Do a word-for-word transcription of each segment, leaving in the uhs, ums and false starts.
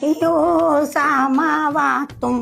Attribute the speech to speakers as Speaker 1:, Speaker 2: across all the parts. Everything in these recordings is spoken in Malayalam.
Speaker 1: സാമാവാത്തും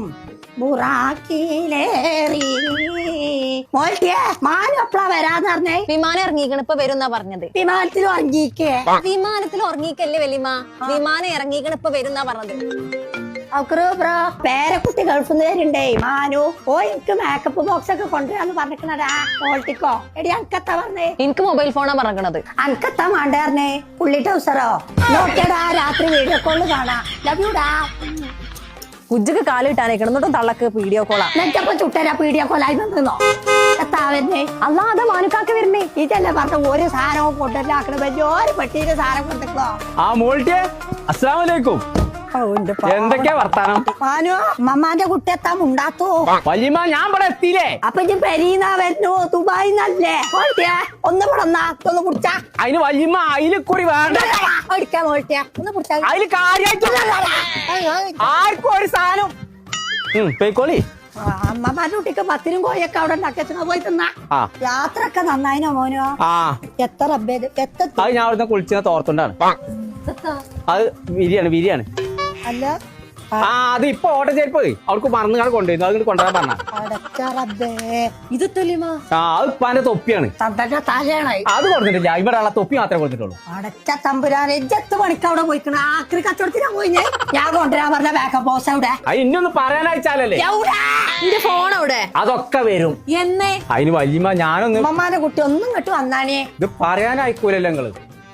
Speaker 1: മാനം എപ്പളാ വരാന്ന് പറഞ്ഞേ?
Speaker 2: വിമാനം ഇറങ്ങിക്കണ് ഇപ്പൊ വരും എന്നാ പറഞ്ഞത്.
Speaker 1: വിമാനത്തിൽ ഉറങ്ങിക്കേ?
Speaker 2: വിമാനത്തിൽ ഉറങ്ങിക്കല്ലേ വലിയമ്മ, വിമാനം ഇറങ്ങിക്കണ് ഇപ്പൊ വരും എന്നാ പറഞ്ഞത്.
Speaker 1: പേരക്കുട്ടി ഗൾഫിൽ നിന്ന് വരുണ്ടേ മാനു. ഓ എനിക്ക് മേക്കപ്പ് ബോക്സ് ഒക്കെ കൊണ്ടുവരാന്ന് പറഞ്ഞിക്കണടാ. ഓൾട്ടിക്കോ എടി അനക്കത്താ പറഞ്ഞേ?
Speaker 2: എനിക്ക് മൊബൈൽ ഫോണാ പറഞ്ഞത്.
Speaker 1: അനക്കത്താ വേണ്ട പറഞ്ഞേ? പുള്ളി ടൗസറോ? നോക്കിയടാ രാത്രി വീഡിയോ കോള് കാണാ. ലവ് യുടാ.
Speaker 2: കുജ്ജക്ക് കാലിട്ടാനേ കിടന്നിട്ടും തള്ളക്ക് വീഡിയോ കോളാ.
Speaker 1: നെറ്റപ്പം ചുട്ടരാ വീഡിയോ കോളായി വന്നോ? എത്താ വരുന്നേ?
Speaker 2: അല്ലാതെ മാനുക്കാക്ക വരുന്നേ.
Speaker 1: ഇതല്ലേ പറഞ്ഞ ഒരു സാധനവും കൊണ്ടുവരാക്കണ വലിയൊരു പെട്ടിയില് സാധനം കൊണ്ടിട്ടോ.
Speaker 3: ആ മോൾട്ടിയെ അസ്സലാമലൈക്കും. എന്തൊക്കെയാ വർത്താനം?
Speaker 1: മാനു മമ്മാന്റെ കുട്ടി എത്താൻ ഉണ്ടാത്തോ?
Speaker 3: വല്യമ്മ ഞാൻ ഇവിടെ എത്തിയില്ലേ?
Speaker 1: അപ്പൊ ഇജ്ജ് പെരീന്നാ വരുന്നു? ദുബായിന്നല്ലേ? ഒന്ന് പിടന്നാ ഒന്ന് കുടിച്ചാ.
Speaker 3: അതിന് വല്യമ്മ അതിൽ കൂടി വേണ്ട.
Speaker 1: ഓടിക്കാൻ മോൾട്ടിയ ഒന്ന് കുടിച്ചാ.
Speaker 3: അതില് കാര്യമായിട്ട് ആർക്കും ഒരു സാധനം പോയിക്കോളി.
Speaker 1: അമ്മമാരുടെ കുട്ടിക്ക് പത്തിനും കോഴിയൊക്കെ അവിടെ ഉണ്ടാക്കിയ പോയി തിന്നാ. യാത്ര ഒക്കെ നന്നായിനോ മോനോ?
Speaker 3: ആ
Speaker 1: എത്ര അബ്ബേത് എത്ര
Speaker 3: അത് ഞാൻ അവിടുന്ന് കുളിച്ച തോർത്തുണ്ടാണ്. അത് വിരിയാണ് വിരിയാണ്.
Speaker 1: അല്ല
Speaker 3: ആ അത് ഇപ്പൊ ഓട്ടം ചേരിപ്പ് അവർക്ക് മറന്നുകാണ് കൊണ്ടുവരുന്നു. അത് കൊണ്ടുവരാൻ പറഞ്ഞ
Speaker 1: ഇത് തെളിമാ.
Speaker 3: ആ അത് ഉപ്പാന്റെ തൊപ്പിയാണ്.
Speaker 1: തലയാണായി
Speaker 3: അത് കൊടുത്തിട്ടില്ല. ഇവിടെ ഉള്ള തൊപ്പി മാത്രമേ കൊടുത്തിട്ടുള്ളൂ.
Speaker 1: അടച്ച തമ്പുരാനെ എത്ത് പണിക്ക് അവിടെ പോയിക്കണ ആക്രി കച്ചവടത്തിനാ പോയിഞ്ഞേ. ഞാൻ കൊണ്ടുവരാൻ പറഞ്ഞ ബാക്കപ്പ് ബോസ് അവിടെ.
Speaker 3: അത് ഇന്നൊന്ന് പറയാനയച്ചാലല്ലേ.
Speaker 2: എന്റെ ഫോൺ അവിടെ.
Speaker 3: അതൊക്കെ വരും
Speaker 1: എന്നേ.
Speaker 3: അതിന് വല്യമ്മ ഞാനൊന്ന്
Speaker 1: അമ്മമാരുടെ കുട്ടി ഒന്നും ഇങ്ങോട്ട് വന്നാനേ.
Speaker 3: ഇത് പറയാനായിക്കൂലല്ലോ നിങ്ങള്.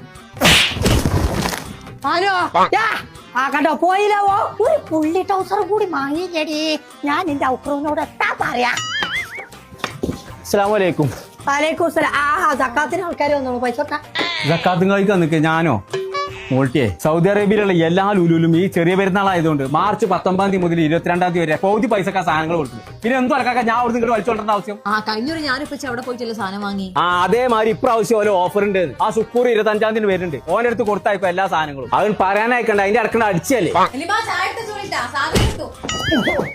Speaker 1: ആരോ ആ കണ്ടോ പോയില്ലവോ? ഒരു പുള്ളി ടൗസർ കൂടി വാങ്ങിക്കടി. ഞാൻ നിന്റെ ഔക്രൂനോട് എത്താ പറയാ.
Speaker 3: അസ്സലാമലൈക്കും.
Speaker 1: വലൈക്കും സലാം. ആ സക്കാത്തിന് ആൾക്കാർ വന്നോളൂ. പൈസ
Speaker 3: സക്കാത്തും കളിക്ക് നിൽക്കുക. ഞാനോ മോൾട്ടിയെ സൗദി അറേബ്യയിലുള്ള എല്ലാ ലുലുലും ഈ ചെറിയ പെരുന്നാളായതുകൊണ്ട് മാർച്ച് പത്തൊമ്പതാം തീയതി മുതൽ ഇരുപത്തിരണ്ടാം തീയതി വരെ പൗതി പൈസക്കാ സാധനങ്ങൾ കൊടുക്കും. പിന്നെ എന്തും അലക്കാക്ക ഞാൻ അവിടെ നിങ്ങൾ വലിച്ചോണ്ടേണ്ട ആവശ്യം?
Speaker 2: ആ കഴിഞ്ഞൊരു ഞാനിപ്പോ അവിടെ പോയിട്ടല്ലേ സാധനം വാങ്ങി.
Speaker 3: ആ അതേമാതിരി ഇപ്രാവശ്യം ഓരോ ഓഫർ ഉണ്ട്. ആ സുക്കൂർ ഇരുപത്തഞ്ചാം തീയതി വരുന്നുണ്ട്. ഓൻ്റെ അടുത്ത് കൊടുത്തായിപ്പോ എല്ലാ സാധനങ്ങളും. അവൻ പറയാനായിക്കണ്ട. അതിന്റെ അടക്കണ്ട അടിച്ചല്ലേ.